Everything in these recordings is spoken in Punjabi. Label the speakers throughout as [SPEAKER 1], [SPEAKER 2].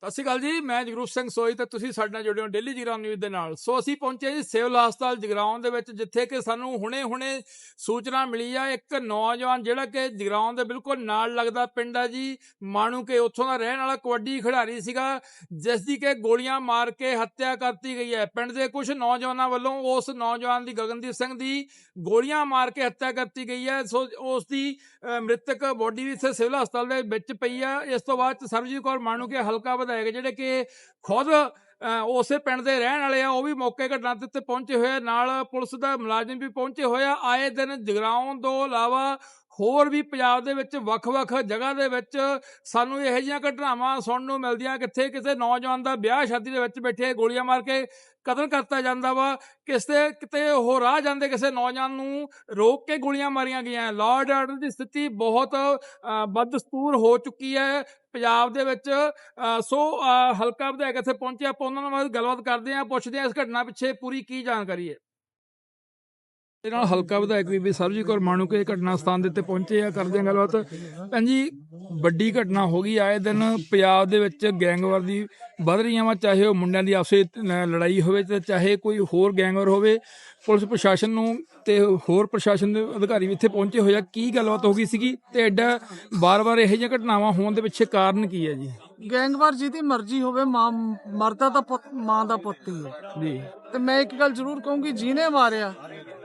[SPEAKER 1] ਸਤਿ ਸ਼੍ਰੀ ਅਕਾਲ ਜੀ। ਮੈਂ ਜਗਰੂਪ ਸਿੰਘ ਸੋਈ ਤੇ ਤੁਸੀਂ ਸਾਡੇ ਨਾਲ ਜੁੜੇ ਹੋ ਡੇਲੀ ਜਗਰਾਉਂ ਨਿਊਜ਼ ਦੇ ਨਾਲ। ਸੋ ਅਸੀਂ ਪਹੁੰਚੇ ਜੀ ਸਿਵਲ ਹਸਪਤਾਲ ਜਗਰਾਉਂ ਦੇ ਵਿੱਚ, ਜਿੱਥੇ ਕਿ ਸਾਨੂੰ ਹੁਣੇ ਸੂਚਨਾ ਮਿਲੀ ਆ ਇੱਕ ਨੌਜਵਾਨ ਜਿਹੜਾ ਕਿ ਜਗਰਾਉਂ ਦੇ ਬਿਲਕੁਲ ਨਾਲ ਲੱਗਦਾ ਪਿੰਡ ਆ ਜੀ ਮਾਣੂਕੇ, ਉੱਥੋਂ ਦਾ ਰਹਿਣ ਵਾਲਾ ਕਬੱਡੀ ਖਿਡਾਰੀ ਸੀਗਾ, ਜਿਸ ਦੀ ਕਿ ਗੋਲੀਆਂ ਮਾਰ ਕੇ ਹੱਤਿਆ ਕਰਤੀ ਗਈ ਹੈ। ਪਿੰਡ ਦੇ ਕੁਝ ਨੌਜਵਾਨਾਂ ਵੱਲੋਂ ਉਸ ਨੌਜਵਾਨ ਦੀ, ਗਗਨਦੀਪ ਸਿੰਘ ਦੀ, ਗੋਲੀਆਂ ਮਾਰ ਕੇ ਹੱਤਿਆ ਕਰਤੀ ਗਈ ਹੈ। ਸੋ ਉਸ ਦੀ ਮ੍ਰਿਤਕ ਬੋਡੀ ਵੀ ਇੱਥੇ ਸਿਵਲ ਹਸਪਤਾਲ ਦੇ ਵਿੱਚ ਪਈ ਆ। ਇਸ ਤੋਂ ਬਾਅਦ ਸਰਬਜੀਤ ਕੌਰ ਮਾਣੂਕੇ ਹਲਕਾ ਵਿਧਾਇਕ ਜਿਹੜੇ ਕਿ ਖੁਦ ਉਸੇ ਪਿੰਡ ਦੇ ਰਹਿਣ ਵਾਲੇ ਆ, ਉਹ ਵੀ ਮੌਕੇ ਘਟਨਾ ਤੇ ਪਹੁੰਚੇ ਹੋਏ, ਨਾਲ ਪੁਲਿਸ ਦਾ ਮੁਲਾਜ਼ਮ ਵੀ ਪਹੁੰਚੇ ਹੋਏ ਆ। ਆਏ ਦਿਨ ਜਗਰਾਉਂ ਤੋਂ ਇਲਾਵਾ ਹੋਰ ਵੀ ਪੰਜਾਬ ਦੇ ਵਿੱਚ ਵੱਖ-ਵੱਖ ਜਗ੍ਹਾ ਦੇ ਵਿੱਚ ਸਾਨੂੰ ਇਹੋ ਜਿਹੀਆਂ ਘਟਨਾਵਾਂ ਸੁਣਨ ਨੂੰ ਮਿਲਦੀਆਂ, ਕਿੱਥੇ ਕਿਸੇ ਨੌਜਵਾਨ ਦਾ ਵਿਆਹ ਸ਼ਾਦੀ ਦੇ ਵਿੱਚ ਬੈਠੇ ਗੋਲੀਆਂ ਮਾਰ ਕੇ ਕਤਲ ਕਰਤਾ ਜਾਂਦਾ ਵਾ, ਕਿਤੇ ਉਹ ਰਾਹ ਜਾਂਦੇ ਕਿਸੇ ਨੌਜਵਾਨ ਨੂੰ ਰੋਕ ਕੇ ਗੋਲੀਆਂ ਮਾਰੀਆਂ ਗਈਆਂ। ਲਾਅ ਐਂਡ ਆਰਡਰ ਦੀ ਸਥਿਤੀ ਬਹੁਤ ਬਦਸਤੂਰ ਹੋ ਚੁੱਕੀ ਹੈ ਪੰਜਾਬ ਦੇ ਵਿੱਚ। ਸੋ ਹਲਕਾ ਵਿਧਾਇਕ ਇੱਥੇ ਪਹੁੰਚੇ, ਆਪਾਂ ਉਹਨਾਂ ਨਾਲ ਗੱਲਬਾਤ ਕਰਦੇ ਹਾਂ, ਪੁੱਛਦੇ ਹਾਂ ਇਸ ਘਟਨਾ ਪਿੱਛੇ ਪੂਰੀ ਕੀ ਜਾਣਕਾਰੀ ਹੈ। ਇਹਦੇ ਨਾਲ ਹਲਕਾ ਵਿਧਾਇਕ ਬੀਬੀ ਸਰਬਜੀਤ ਕੌਰ ਮਾਣੂਕੇ ਘਟਨਾ ਸਥਾਨ ਦੇ ਉੱਤੇ ਪਹੁੰਚੇ ਆ, ਕਰਦੇ ਆ ਗੱਲਬਾਤ। ਭੈਣ ਜੀ, ਵੱਡੀ ਘਟਨਾ ਹੋ ਗਈ, ਆਏ ਦਿਨ ਪੰਜਾਬ ਦੇ ਵਿੱਚ ਗੈਂਗਵਾਰ ਦੀ ਵੱਧ ਰਹੀਆਂ ਵਾ, ਚਾਹੇ ਉਹ ਮੁੰਡਿਆਂ ਦੀ ਆਪਸੇ ਲੜਾਈ ਹੋਵੇ ਤੇ ਚਾਹੇ ਕੋਈ ਹੋਰ ਗੈਂਗਵਾਰ ਹੋਵੇ। ਪੁਲਿਸ ਪ੍ਰਸ਼ਾਸਨ ਨੂੰ ਤੇ ਹੋਰ ਪ੍ਰਸ਼ਾਸਨ ਦੇ ਅਧਿਕਾਰੀ ਵੀ ਇੱਥੇ ਪਹੁੰਚੇ ਹੋਏ ਆ। ਕੀ ਗੱਲਬਾਤ ਹੋ ਗਈ ਸੀਗੀ ਤੇ ਐਡਾ ਵਾਰ-ਵਾਰ ਇਹੋ ਜਿਹੀਆਂ ਘਟਨਾਵਾਂ ਹੋਣ ਦੇ ਪਿੱਛੇ ਕਾਰਨ ਕੀ ਹੈ ਜੀ?
[SPEAKER 2] ਗੈਂਗਵਾਰ ਜਿਹਦੀ ਮਰਜ਼ੀ ਹੋਵੇ, ਮਾਂ ਮਰਦਾ ਤਾਂ ਪੁੱਤ, ਮਾਂ ਦਾ ਪੁੱਤ ਹੀ ਹੈ
[SPEAKER 1] ਜੀ।
[SPEAKER 2] ਤੇ ਮੈਂ ਇੱਕ ਗੱਲ ਜ਼ਰੂਰ ਕਹੂੰਗੀ, ਜਿਹਨੇ ਮਾਰਿਆ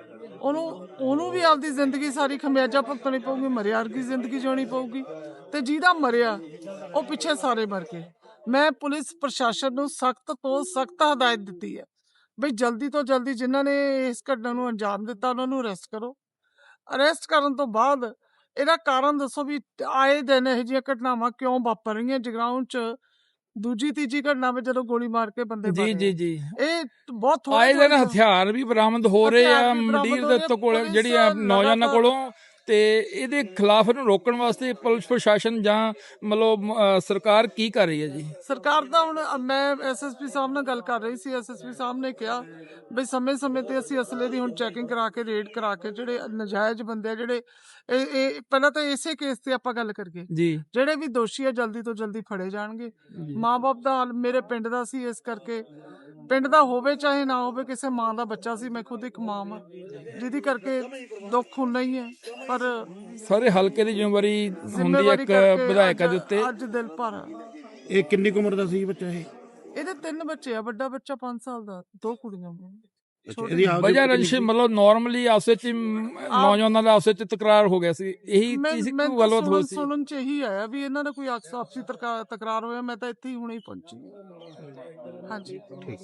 [SPEAKER 2] ਉਹਨੂੰ ਵੀ ਆਪਦੀ ਜ਼ਿੰਦਗੀ ਸਾਰੀ ਖਮਿਆਜਾ ਭੁਗਤਣੀ ਪਊਗੀ, ਮਰਿਆ ਵਰਗੀ ਜ਼ਿੰਦਗੀ ਜਿਉਣੀ ਪਊਗੀ। ਤੇ ਜਿਹਦਾ ਮਰਿਆ ਉਹ ਪਿੱਛੇ ਸਾਰੇ ਮਰ ਗਏ। ਮੈਂ ਪੁਲਿਸ ਪ੍ਰਸ਼ਾਸਨ ਨੂੰ ਸਖਤ ਤੋਂ ਸਖਤ ਹਦਾਇਤ ਦਿੱਤੀ ਹੈ ਬਈ ਜਲਦੀ ਤੋਂ ਜਲਦੀ ਜਿਨ੍ਹਾਂ ਨੇ ਇਸ ਘਟਨਾ ਨੂੰ ਅੰਜਾਮ ਦਿੱਤਾ ਉਹਨਾਂ ਨੂੰ ਅਰੈਸਟ ਕਰੋ। ਅਰੈਸਟ ਕਰਨ ਤੋਂ ਬਾਅਦ ਇਹਦਾ ਕਾਰਨ ਦੱਸੋ ਵੀ ਆਏ ਦਿਨ ਇਹੋ ਜਿਹੀਆਂ ਘਟਨਾਵਾਂ ਕਿਉਂ ਵਾਪਰ ਰਹੀਆਂ ਜਗਰਾਉਂ ਚ। ਦੂਜੀ ਤੀਜੀ ਘਟਨਾ ਵਿੱਚ ਜਦੋਂ ਗੋਲੀ ਮਾਰ ਕੇ ਬੰਦੇ
[SPEAKER 1] ਜੀ ਜੀ ਜੀ
[SPEAKER 2] ਇਹ ਬਹੁਤ
[SPEAKER 1] ਆਏ ਦਿਨ ਹਥਿਆਰ ਵੀ ਬਰਾਮਦ ਹੋ ਰਹੇ ਆ ਮੰਡੀਰ ਦੇ ਕੋਲ, ਜਿਹੜੀ ਨੌਜਵਾਨਾਂ ਕੋਲੋਂ, ਤੇ ਇਹਦੇ ਖਿਲਾਫ ਇਹਨੂੰ ਰੋਕਣ ਵਾਸਤੇ ਪੁਲਿਸ ਪ੍ਰਸ਼ਾਸਨ ਜਾਂ ਮਤਲਬ ਸਰਕਾਰ ਕੀ ਕਰ ਰਹੀ ਹੈ ਜੀ?
[SPEAKER 2] ਸਰਕਾਰ ਦਾ ਹੁਣ ਮੈਂ ਐਸਐਸਪੀ ਸਾਹਿਬ ਨਾਲ ਗੱਲ ਕਰ ਰਹੀ ਸੀ। ਐਸਐਸਪੀ ਸਾਹਿਬ ਨੇ ਕਿਹਾ ਬਈ ਸਮੇਂ-ਸਮੇਂ ਤੇ ਅਸੀਂ ਅਸਲੇ ਦੀ ਹੁਣ ਚੈਕਿੰਗ ਕਰਾ ਕੇ, ਰੇਡ ਕਰਾ ਕੇ, ਜਿਹੜੇ ਨਜਾਇਜ਼ ਬੰਦੇ ਆ, ਜਿਹੜੇ ਇਹ ਪਹਿਲਾਂ ਤਾਂ ਇਸੇ ਕੇਸ ਤੇ ਆਪਾਂ ਗੱਲ ਕਰੀਏ
[SPEAKER 1] ਜੀ,
[SPEAKER 2] ਜਿਹੜੇ ਵੀ ਦੋਸ਼ੀ ਆ ਜਲਦੀ ਤੋਂ ਜਲਦੀ ਫੜੇ ਜਾਣਗੇ। ਮਾਂ-ਬਾਪ ਦਾ ਹਾਲ ਮੇਰੇ ਪਿੰਡ ਦਾ ਸੀ, ਇਸ ਕਰਕੇ ਪਿੰਡ ਦਾ ਹੋਵੇ ਚਾਹੇ ਨਾ ਹੋਵੇ, ਕਿਸੇ ਮਾਂ ਦਾ ਬੱਚਾ ਸੀ। ਮੈਂ ਖੁਦ ਇੱਕ ਮਾਂ ਆ, ਜਿਹਦੀ ਕਰਕੇ ਦੁੱਖ ਹੁੰਦਾ ਹੀ ਹੈ, ਪਰ
[SPEAKER 1] ਸਾਰੇ ਹਲਕੇ ਦੀ ਜ਼ਿੰਮੇਵਾਰੀ ਹੁੰਦੀ ਹੈ ਇੱਕ ਵਿਧਾਇਕਾਂ ਦੇ ਉੱਤੇ।
[SPEAKER 2] ਅੱਜ ਦਿਲ ਭਰ।
[SPEAKER 3] ਇਹ ਕਿੰਨੀ ਕੁ ਉਮਰ ਦਾ ਸੀ ਬੱਚਾ?
[SPEAKER 2] ਇਹਦੇ 3 ਬੱਚੇ ਆ, ਵੱਡਾ ਬੱਚਾ 5 ਸਾਲ ਦਾ, 2 ਕੁੜੀਆਂ।
[SPEAKER 1] ਵਜ੍ਹਾ ਰੰਜਿਸ਼ ਮਤਲਬ ਨਾਰਮਲੀ ਆਪਸ ਵਿੱਚ ਨੌਜਵਾਨਾਂ ਦਾ ਆਪਸ ਵਿੱਚ ਤਕਰਾਰ ਹੋ ਗਿਆ ਸੀ, ਇਹੀ ਚੀਜ਼ ਕੋਈ ਗੱਲਬਾਤ ਹੋਈ ਸੀ?
[SPEAKER 2] ਸੁਣਨ ਚ ਇਹੀ ਆਇਆ ਵੀ ਇਹਨਾਂ ਦਾ ਕੋਈ ਆਪਸੀ ਤਕਰਾਰ ਹੋਇਆ। ਮੈਂ ਤਾਂ ਇੱਥੇ ਹੀ ਹੁਣੇ ਹੀ ਪਹੁੰਚੀ। ਹਾਂਜੀ,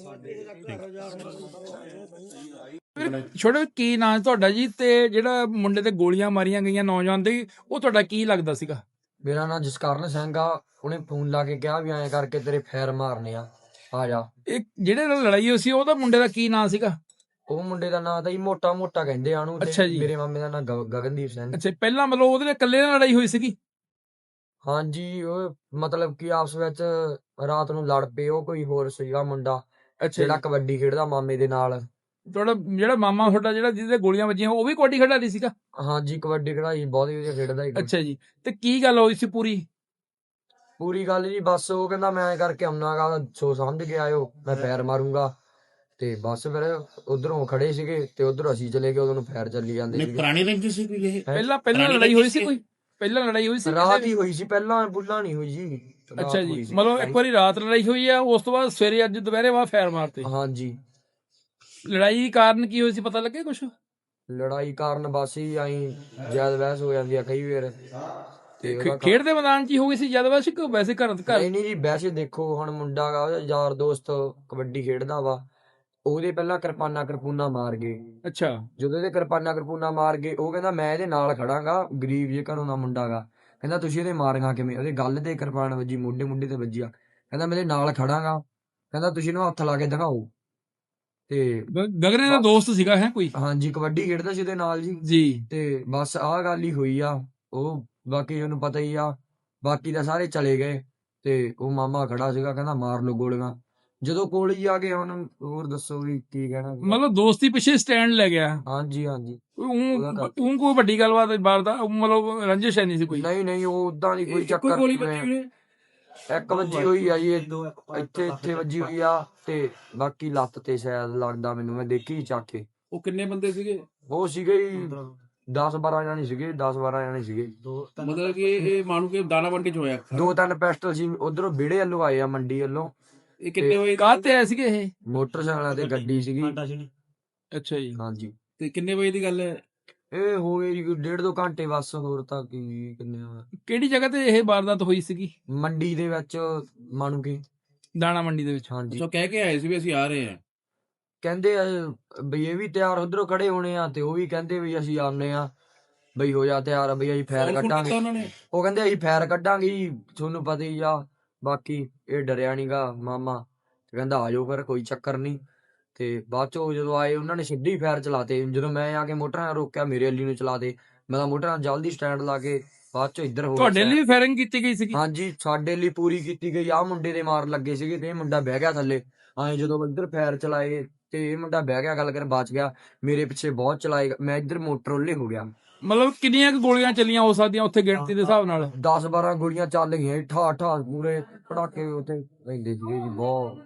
[SPEAKER 1] ਛੋਟੇ ਕੀ ਨਾਂ ਤੁਹਾਡਾ ਜੀ, ਤੇ ਜਿਹੜਾ ਮੁੰਡੇ ਤੇ ਗੋਲੀਆਂ ਮਾਰੀਆਂ ਗਈਆਂ ਨੌਜਵਾਨ ਦੇ, ਉਹ ਤੁਹਾਡਾ ਕੀ ਲੱਗਦਾ ਸੀਗਾ?
[SPEAKER 4] ਮੇਰਾ ਨਾਂ ਜਸਕਰਨ ਸਿੰਘ ਆ। ਉਹਨੇ ਫੋਨ ਲਾ ਕੇ ਕਿਹਾ ਵੀ ਐਂ ਕਰਕੇ ਤੇਰੇ ਫੈਰ ਮਾਰਨੇ ਆ ਜਾ।
[SPEAKER 1] ਇਹ ਜਿਹੜੇ ਨਾਲ ਲੜਾਈ ਹੋਈ ਸੀ ਉਹਦਾ ਮੁੰਡੇ ਦਾ ਕੀ ਨਾਂ ਸੀਗਾ?
[SPEAKER 4] ਉਹ ਮੁੰਡੇ ਦਾ ਨਾਂ ਤਾਂ ਜੀ ਮੋਟਾ ਕਹਿੰਦੇ ਆ ਉਹਨੂੰ।
[SPEAKER 1] ਅੱਛਾ ਜੀ।
[SPEAKER 4] ਮੇਰੇ ਮਾਮੇ ਦਾ ਨਾਂ ਗਗਨਦੀਪ ਸਿੰਘ।
[SPEAKER 1] ਅੱਛਾ, ਪਹਿਲਾਂ ਮਤਲਬ ਉਹਦੇ ਨਾਲ ਇਕੱਲੇ ਨਾਲ ਲੜਾਈ ਹੋਈ ਸੀਗੀ?
[SPEAKER 4] ਹਾਂਜੀ, ਉਹ ਮਤਲਬ ਕਿ ਆਪਸ ਵਿੱਚ ਰਾਤ ਨੂੰ ਲੜ ਪਏ। ਉਹ ਕੋਈ ਹੋਰ ਸੀਗਾ ਮੁੰਡਾ ਜਿਹੜਾ ਕਬੱਡੀ ਖੇਡਦਾ ਮਾਮੇ ਦੇ ਨਾਲ।
[SPEAKER 1] ਤੁਹਾਡਾ ਜਿਹੜਾ ਮਾਮਾ ਤੁਹਾਡਾ ਜਿਹੜਾ ਜਿਹਦੇ ਗੋਲੀਆਂ ਵੱਜੀਆਂ, ਉਹ ਵੀ ਕਬੱਡੀ ਖਿਡਾਰੀ ਸੀਗਾ?
[SPEAKER 4] ਹਾਂਜੀ, ਕਬੱਡੀ ਖੇਡਾਈ ਬਹੁਤ ਵਧੀਆ ਖੇਡਦਾ ਸੀ।
[SPEAKER 1] ਅੱਛਾ ਜੀ, ਤੇ ਕੀ ਗੱਲ ਹੋਈ ਸੀ
[SPEAKER 4] ਪੂਰੀ ਗੱਲ ਜੀ, ਬਸ ਉਹ ਕਹਿੰਦਾ ਮੈਂ ਐਂ ਕਰਕੇ ਆਉਣਾ ਗਾ, ਸੋਚ ਸਮਝ ਕੇ ਆਇਓ, ਮੈਂ ਫੈਰ ਮਾਰੂੰਗਾ। ਤੇ ਬਸ ਫਿਰ ਉਧਰੋਂ ਖੜੇ ਸੀਗੇ ਤੇ ਉਧਰ ਅਸੀਂ ਚਲੇ ਗਏ, ਉਦੋਂ ਫੈਰ ਚੱਲੀ ਜਾਂਦੇ ਸੀ।
[SPEAKER 3] ਪੁਰਾਣੀ ਰੰਜਿਸ਼ ਸੀ ਕੋਈ? ਇਹ
[SPEAKER 1] ਪਹਿਲਾਂ ਲੜਾਈ ਹੋਈ ਸੀ ਕੋਈ? ਪਹਿਲਾਂ ਲੜਾਈ ਹੋਈ ਸੀ?
[SPEAKER 4] ਰਾਤ ਹੀ ਹੋਈ ਸੀ, ਪਹਿਲਾਂ ਬੁੱਲਾ ਨਹੀਂ ਹੋਈ ਜੀ।
[SPEAKER 1] ਅੱਛਾ ਜੀ, ਮਤਲਬ ਇੱਕ ਵਾਰੀ ਰਾਤ ਲੜਾਈ ਹੋਈ ਆ, ਉਸ ਤੋਂ ਬਾਅਦ ਸਵੇਰੇ ਅੱਜ ਦੁਪਹਿਰੇ ਬਾਅਦ ਫੈਰ ਮਾਰਤੇ?
[SPEAKER 4] ਹਾਂਜੀ।
[SPEAKER 1] ਲੜਾਈ ਕਾਰਨ ਕੀ ਹੋਈ ਸੀ, ਪਤਾ ਲੱਗੇ ਕੁਛ?
[SPEAKER 4] ਲੜਾਈ ਕਾਰਨ ਬਸ ਹੀ ਆਈ ਜ਼ਿਆਦਾ ਬਹਿਸ ਹੋ ਜਾਂਦੀ ਆ ਕਈ ਵਾਰ।
[SPEAKER 1] ਖੇਡ ਦੇ ਮੈਦਾਨ 'ਚ ਹੀ ਹੋ ਗਈ ਸੀ ਜਦ? ਵੈਸੇ ਘਰ
[SPEAKER 4] ਨਹੀਂ ਜੀ, ਵੈਸੇ ਦੇਖੋ ਹੁਣ ਮੁੰਡਾ ਗਾ, ਯਾਰ ਦੋਸਤ ਕਬੱਡੀ ਖੇਡਦਾ ਵਾ, ਉਹਦੇ ਪਹਿਲਾਂ ਕਿਰਪਾਨਾ ਮਾਰ ਗਏ।
[SPEAKER 1] ਅੱਛਾ।
[SPEAKER 4] ਜਦੋਂ ਇਹਦੇ ਕਿਰਪਾਨਾ ਮਾਰ ਗਏ, ਉਹ ਕਹਿੰਦਾ ਮੈਂ ਇਹਦੇ ਨਾਲ ਖੜਾਂਗਾ, ਗਰੀਬ ਜੇ ਘਰੋਂ ਦਾ ਮੁੰਡਾ ਗਾ। ਕਹਿੰਦਾ ਤੁਸੀਂ ਇਹਦੇ ਮਾਰੀਆਂ ਕਿਵੇਂ? ਉਹਦੇ ਗੱਲ ਤੇ ਕਿਰਪਾਨ ਵੱਜੀ, ਮੋਢੇ ਤੇ ਵੱਜੀ ਆ। ਕਹਿੰਦਾ ਮੈਂ ਇਹਦੇ ਨਾਲ ਖੜਾਂਗਾ, ਕਹਿੰਦਾ ਤੁਸੀਂ ਇਹਨੂੰ ਹੱਥ ਲਾ ਕੇ ਦਿਖਾਓ। ਤੇ
[SPEAKER 1] ਗਗਨੇ ਦਾ ਦੋਸਤ ਸੀਗਾ ਹੈ ਕੋਈ?
[SPEAKER 4] ਹਾਂਜੀ, ਕਬੱਡੀ ਖੇਡਦਾ ਸੀ ਉਹਦੇ ਨਾਲ ਜੀ। ਤੇ ਬਸ ਆਹ ਗੱਲ ਹੀ ਹੋਈ ਆ। ਉਹ ਬਾਕੀ ਉਹਨੂੰ ਪਤਾ ਹੀ ਆ, ਬਾਕੀ ਤਾਂ ਸਾਰੇ ਚਲੇ ਗਏ ਤੇ ਉਹ ਮਾਮਾ ਖੜਾ ਸੀਗਾ, ਕਹਿੰਦਾ ਮਾਰ ਲਓ ਗੋਲੀਆਂ। ਜਦੋਂ ਕੋਲ ਹੀ ਆ ਗਏ, ਹੁਣ ਹੋਰ ਦੱਸੋ ਵੀ ਕੀ ਕਹਿਣਾ?
[SPEAKER 1] ਮਤਲਬ ਦੋਸਤੀ ਪਿੱਛੇ ਸਟੈਂਡ ਲੈ ਗਿਆ?
[SPEAKER 4] ਹਾਂਜੀ।
[SPEAKER 1] ਕੋਈ ਵੱਡੀ ਗੱਲਬਾਤ ਬਾਹਰ ਦਾ ਮਤਲਬ ਰੰਜਿਸ਼ ਹੈ ਨਹੀਂ ਸੀ ਕੋਈ?
[SPEAKER 4] ਨਹੀਂ, ਉਹ ਉਦਾਂ ਦੀ ਕੋਈ ਚੱਕਰ ਇੱਕ ਵੱਜੀ ਹੋਈ ਆ ਜੀ ਇੱਥੇ ਵੱਜੀ ਹੋਈ ਆ, ਤੇ ਬਾਕੀ ਲੱਤ ਤੇ ਸ਼ਾਇਦ ਲੱਗਦਾ ਮੈਨੂੰ, ਮੈਂ ਦੇਖੀ ਚੱਕ ਕੇ।
[SPEAKER 3] ਉਹ ਕਿੰਨੇ ਬੰਦੇ ਸੀਗੇ?
[SPEAKER 4] ਉਹ ਸੀਗੇ ਜੀ 10-12 ਜਾਣੇ ਸੀਗੇ, 10-12 ਜਾਣੇ ਸੀਗੇ।
[SPEAKER 3] ਮਤਲਬ ਕਿ ਇਹ ਮਾਣੂ ਕੇ ਦਾਣਾ ਮੰਡੀ ਚ ਹੋਇਆ।
[SPEAKER 4] 2-3 ਪਿਸਟਲ ਸੀ ਉਧਰੋਂ ਵਿਹੜੇ ਵੱਲੋਂ ਆਏ ਆ, ਮੰਡੀ ਵੱਲੋਂ।
[SPEAKER 3] ਇਹ ਕਿੰਨੇ ਵਜੇ
[SPEAKER 1] ਕਾਹ ਤੇ ਆਏ ਸੀਗੇ ਇਹ?
[SPEAKER 4] ਮੋਟਰਸਾਈਕਲਾਂ ਤੇ ਗੱਡੀ ਸੀਗੀ।
[SPEAKER 1] ਅੱਛਾ ਜੀ।
[SPEAKER 4] ਹਾਂਜੀ,
[SPEAKER 3] ਤੇ ਕਿੰਨੇ ਵਜੇ ਦੀ ਗੱਲ ਹੈ?
[SPEAKER 4] ਇਹ ਹੋ ਗਏ ਜੀ 1.5-2 ਘੰਟੇ ਬਸ, ਹੋਰ ਤਾਂ ਕੀ ਕਿੰਨੇ ਆ।
[SPEAKER 1] ਕਿਹੜੀ ਜਗ੍ਹਾ ਤੇ ਇਹ ਵਾਰਦਾਤ ਹੋਈ ਸੀਗੀ?
[SPEAKER 4] ਮੰਡੀ ਦੇ ਵਿੱਚ ਮਾਣੂ ਕੇ।
[SPEAKER 1] ਦਾਣਾ ਮੰਡੀ ਦੇ ਵਿੱਚ।
[SPEAKER 4] ਹਾਂਜੀ,
[SPEAKER 3] ਅੱਛਾ, ਕਹਿ ਕੇ ਆਏ ਸੀ ਵੀ ਅਸੀਂ ਆ ਰਹੇ ਹਾਂ।
[SPEAKER 4] ਕਹਿੰਦੇ ਆ ਬਈ ਇਹ ਵੀ ਤਿਆਰ ਉਧਰੋਂ ਖੜੇ ਹੋਣੇ ਆ, ਤੇ ਉਹ ਵੀ ਕਹਿੰਦੇ ਵੀ ਅਸੀਂ ਆਉਨੇ ਆ, ਬਈ ਹੋ ਜਾ ਤਿਆਰ, ਬਈ ਅਸੀਂ ਫੈਰ
[SPEAKER 3] ਫੋਨ ਕੀਤਾ
[SPEAKER 4] ਕੱਢਾਂਗੇ।
[SPEAKER 3] ਉਹਨਾਂ ਨੇ?
[SPEAKER 4] ਉਹ ਕਹਿੰਦੇ ਅਸੀਂ ਫੈਰ ਕੱਢਾਂਗੇ ਜੀ, ਤੁਹਾਨੂੰ ਪਤਾ ਹੀ ਆ। ਬਾਕੀ ਇਹ ਡਰਿਆ ਨੀਗਾ ਮਾਮਾ, ਤੇ ਕਹਿੰਦਾ ਆ ਜਾਓ ਫਿਰ, ਕੋਈ ਚੱਕਰ ਨਹੀਂ। ਤੇ ਬਾਅਦ ਚੋਂ ਜਦੋਂ ਆਏ ਉਹਨਾਂ ਨੇ ਸਿੱਧੇ ਹੀ ਫੈਰ ਚਲਾਤੇ। ਜਦੋਂ ਮੈਂ ਆ ਕੇ ਮੋਟਰ ਨਾਲ ਰੋਕਿਆ, ਮੇਰੇ ਅੱਲੀ ਨੂੰ ਚਲਾਤੇ। ਮੈਂ ਤਾਂ ਮੋਟਰ ਨਾਲ ਜਲਦੀ ਸਟੈਂਡ ਲਾ ਕੇ ਬਾਅਦ ਚੋਂ ਇੱਧਰ ਹੋ
[SPEAKER 1] ਤੁਹਾਡੇ
[SPEAKER 4] ਗਿਆ।
[SPEAKER 1] ਲਈ ਫਾਇਰਿੰਗ ਕੀਤੀ ਗਈ ਸੀਗੀ?
[SPEAKER 4] ਹਾਂਜੀ, ਸਾਡੇ ਲਈ ਪੂਰੀ ਕੀਤੀ ਗਈ। ਆਹ ਮੁੰਡੇ ਦੇ ਮਾਰ ਲੱਗੇ ਸੀਗੇ, ਤੇ ਇਹ ਮੁੰਡਾ ਬਹਿ ਗਿਆ ਥੱਲੇ। ਜਦੋਂ ਇੱਧਰ ਫੈਰ ਚਲਾਏ, ਤੇ ਇਹ ਮੁੰਡਾ ਬਹਿ ਗਿਆ, ਗੱਲ ਕਰ ਬਚ ਗਿਆ। ਮੇਰੇ ਪਿੱਛੇ ਬਹੁਤ ਚਲਾਏ, ਮੈਂ ਇੱਧਰ ਮੋਟਰ ਉੱਲੇ ਹੋ ਗਿਆ।
[SPEAKER 1] ਮਤਲਬ ਕਿੰਨੀਆਂ ਕੁ ਗੋਲੀਆਂ ਚੱਲੀਆਂ ਹੋ ਸਕਦੀਆਂ ਉੱਥੇ ਗਿਣਤੀ ਦੇ ਹਿਸਾਬ ਨਾਲ?
[SPEAKER 4] 10-12 ਗੋਲੀਆਂ ਚੱਲ ਗਈਆਂ, ਠਾ ਠਾ ਪੂਰੇ ਪੜਾਕੇ ਉੱਥੇ ਰਹਿੰਦੇ ਸੀਗੇ ਜੀ, ਬਹੁਤ।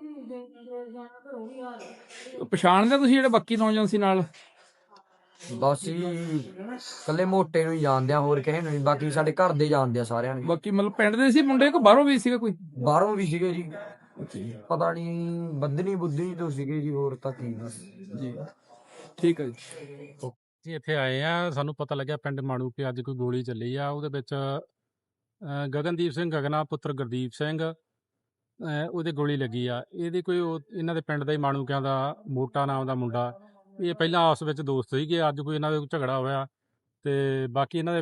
[SPEAKER 1] ਪਛਾਣਦੇ ਤੁਸੀਂ ਜਿਹੜੇ ਬਾਕੀ ਨੌਜਵਾਨ ਸੀ ਨਾਲ?
[SPEAKER 4] ਬਸ ਜੀ ਕੱਲੇ ਮੋਟੇ ਨੂੰ ਹੀ ਜਾਣਦੇ ਆ, ਹੋਰ ਕਿਸੇ ਨੂੰ ਨਹੀਂ। ਬਾਕੀ ਸਾਡੇ ਘਰ ਦੇ ਜਾਣਦੇ ਆ ਸਾਰਿਆਂ ਨੂੰ।
[SPEAKER 1] ਬਾਕੀ ਮਤਲਬ ਪਿੰਡ ਦੇ ਸੀ ਮੁੰਡੇ, ਕਿ ਬਾਹਰੋਂ ਵੀ ਸੀਗਾ ਕੋਈ?
[SPEAKER 4] ਬਾਹਰੋਂ ਵੀ ਸੀਗੇ ਜੀ, ਪਤਾ ਨਹੀਂ ਬੱਦਨੀ ਬੁੱਧਨੀ ਤੋਂ ਸੀਗੇ ਜੀ, ਹੋਰ ਤਾਂ ਕੀ।
[SPEAKER 1] ਜੀ ਠੀਕ ਹੈ ਜੀ।
[SPEAKER 5] ਅਸੀਂ ਇੱਥੇ ਆਏ ਆ, ਸਾਨੂੰ ਪਤਾ ਲੱਗਿਆ ਪਿੰਡ ਮਾਣੂ ਕਿ ਅੱਜ ਕੋਈ ਗੋਲੀ ਚੱਲੀ ਆ। ਉਹਦੇ ਵਿੱਚ ਗਗਨਦੀਪ ਸਿੰਘ ਗਗਨਾ ਪੁੱਤਰ ਗੁਰਦੀਪ ਸਿੰਘ, ਉਹਦੇ ਗੋਲੀ ਲੱਗੀ ਆ। ਇਹਦੇ ਕੋਈ ਇਹਨਾਂ ਦੇ ਪਿੰਡ ਦਾ ਹੀ ਮਾਣੂਕਿਆਂ ਦਾ ਮੋਟਾ ਨਾਮ ਦਾ ਮੁੰਡਾ, ਇਹ ਪਹਿਲਾਂ ਆਪਸ ਵਿੱਚ ਦੋਸਤ ਸੀਗੇ। ਅੱਜ ਕੋਈ ਇਹਨਾਂ ਦੇ ਝਗੜਾ ਹੋਇਆ, ਤੇ ਬਾਕੀ ਇਹਨਾਂ ਦੇ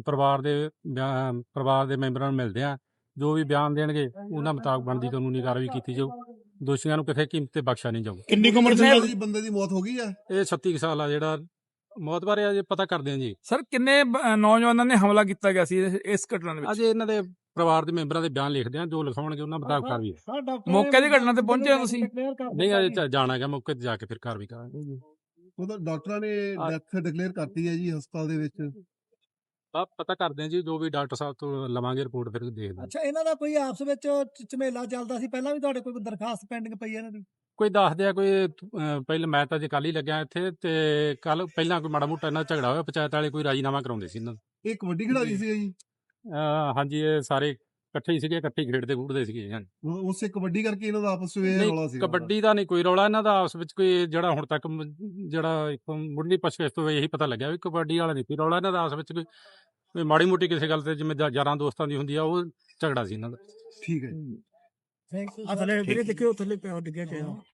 [SPEAKER 5] ਪਰਿਵਾਰ ਦੇ ਮੈਂਬਰਾਂ ਨੂੰ ਮਿਲਦੇ ਆ। ਜੋ ਵੀ ਬਿਆਨ ਦੇਣਗੇ ਉਹਨਾਂ ਮੁਤਾਬਕ ਬਣਦੀ ਕਾਨੂੰਨੀ ਕਾਰਵਾਈ ਕੀਤੀ ਜਾਊ। ਦੋਸ਼ੀਆਂ ਨੂੰ ਕਿਸੇ ਕੀਮਤ ਤੇ ਬਖਸ਼ਿਆ ਨਹੀਂ ਜਾਊ।
[SPEAKER 3] ਕਿੰਨੀ ਕੁ ਉਮਰ ਸੀ?
[SPEAKER 6] ਬੰਦੇ ਦੀ ਮੌਤ ਹੋ ਗਈ ਆ।
[SPEAKER 5] ਇਹ 36 ਕੁ ਸਾਲ ਆ, ਜਿਹੜਾ ਮੌਤ ਬਾਰੇ ਅਜੇ ਪਤਾ ਕਰਦੇ ਆ ਜੀ।
[SPEAKER 1] ਸਰ ਕਿੰਨੇ ਨੌਜਵਾਨਾਂ ਨੇ ਹਮਲਾ ਕੀਤਾ ਗਿਆ ਸੀ ਇਸ ਘਟਨਾ ਦੇ ਵਿੱਚ?
[SPEAKER 5] ਅਜੇ ਇਹਨਾਂ ਦੇ ਪਰਿਵਾਰ ਦੇ ਮੈਂਬਰਾਂ ਦੇ ਬਿਆਨ ਲਿਖਦੇ ਆ, ਜੋ ਲਿਖਾਉਣਗੇ ਉਹਨਾਂ ਮੁਤਾਬਕ ਕਾਰਵਾਈ ਹੈ।
[SPEAKER 1] ਮੌਕੇ ਦੀ ਘਟਨਾ ਤੇ ਪਹੁੰਚੇ ਹੋ ਤੁਸੀਂ?
[SPEAKER 5] ਨਹੀਂ, ਅਜੇ ਜਾਣਾ ਹੈਗਾ, ਮੌਕੇ ਤੇ ਜਾ ਕੇ ਫਿਰ ਕਾਰਵਾਈ ਕਰਾਂਗੇ ਜੀ।
[SPEAKER 6] ਉਹਦਾ ਡਾਕਟਰਾਂ ਨੇ ਡੈਥ ਡਿਕਲੇਅਰ ਕਰਤੀ ਹੈ ਜੀ ਹਸਪਤਾਲ ਦੇ ਵਿੱਚ।
[SPEAKER 5] ਪਤਾ ਕਰਦੇ ਆ ਜੀ, ਜੋ ਵੀ ਡਾਕਟਰ ਸਾਹਿਬ ਤੋਂ ਲਵਾਂਗੇ ਰਿਪੋਰਟ, ਫਿਰ ਦੇਖਦੇ ਹਾਂ।
[SPEAKER 7] ਅੱਛਾ, ਇਹਨਾਂ ਦਾ ਕੋਈ ਆਪਸ ਵਿੱਚ ਝਮੇਲਾ ਚੱਲਦਾ ਸੀ ਪਹਿਲਾਂ ਵੀ? ਤੁਹਾਡੇ ਕੋਈ ਦਰਖਾਸਤ ਪੈਂਡਿੰਗ ਪਈ ਹੈ ਇਹਨਾਂ ਦੀ?
[SPEAKER 5] ਕੋਈ ਦੱਸਦੇ ਆ, ਕੋਈ ਪਹਿਲਾਂ ਮੈਂ ਤਾਂ ਜੇ ਕੱਲ ਹੀ ਲੱਗਿਆ ਇੱਥੇ, ਤੇ ਕੱਲ ਪਹਿਲਾਂ ਕੋਈ ਮਾੜਾ ਮੋਟਾ ਇਹਨਾਂ ਦਾ ਝਗੜਾ ਹੋਇਆ, ਪੰਚਾਇਤ ਵਾਲੇ ਕੋਈ ਰਾਜੀਨਾਮਾ ਕਰਾਉਂਦੇ ਸੀ ਇਹਨਾਂ ਦਾ।
[SPEAKER 6] ਇਹ ਕਬੱਡੀ ਖਿਡਾਰੀ ਸੀ ਜੀ?
[SPEAKER 5] ਹਾਂਜੀ, ਇਹ ਸਾਰੇ ਇਕੱਠੇ ਹੀ ਸੀਗੇ, ਇਕੱਠੇ ਹੀ ਖੇਡਦੇ ਖੂਡਦੇ ਸੀਗੇ।
[SPEAKER 6] ਉਸੇ ਕਬੱਡੀ ਕਰਕੇ ਇਹਨਾਂ ਦਾ ਆਪਸ ਵਿੱਚ ਰੌਲਾ ਸੀ?
[SPEAKER 5] ਕਬੱਡੀ ਦਾ ਨਹੀਂ ਕੋਈ ਰੌਲਾ ਇਹਨਾਂ ਦਾ ਆਪਸ ਵਿੱਚ ਕੋਈ, ਜਿਹੜਾ ਹੁਣ ਤੱਕ ਜਿਹੜਾ ਇੱਕ ਮੁੱਢਲੀ ਪੁੱਛਗਿੱਛ ਤੋਂ ਇਹੀ ਪਤਾ ਲੱਗਿਆ ਵੀ ਕਬੱਡੀ ਵਾਲਾ ਨਹੀਂ ਕੋਈ ਰੌਲਾ ਇਹਨਾਂ ਦਾ ਆਪਸ ਵਿੱਚ। ਕੋਈ ਮਾੜੀ ਮੋਟੀ ਕਿਸੇ ਗੱਲ ਤੇ ਜਿਵੇਂ ਯਾਰਾਂ ਦੋਸਤਾਂ ਦੀ ਹੁੰਦੀ ਆ, ਉਹ ਝਗੜਾ ਸੀ ਇਹਨਾਂ ਦਾ।
[SPEAKER 6] ਠੀਕ ਹੈ।
[SPEAKER 7] ਆ ਥੱਲੇ ਵੀਰੇ ਦੇਖਿਓ, ਥੱਲੇ ਪਿਆ ਡਿੱਗਿਆ ਪਿਆ।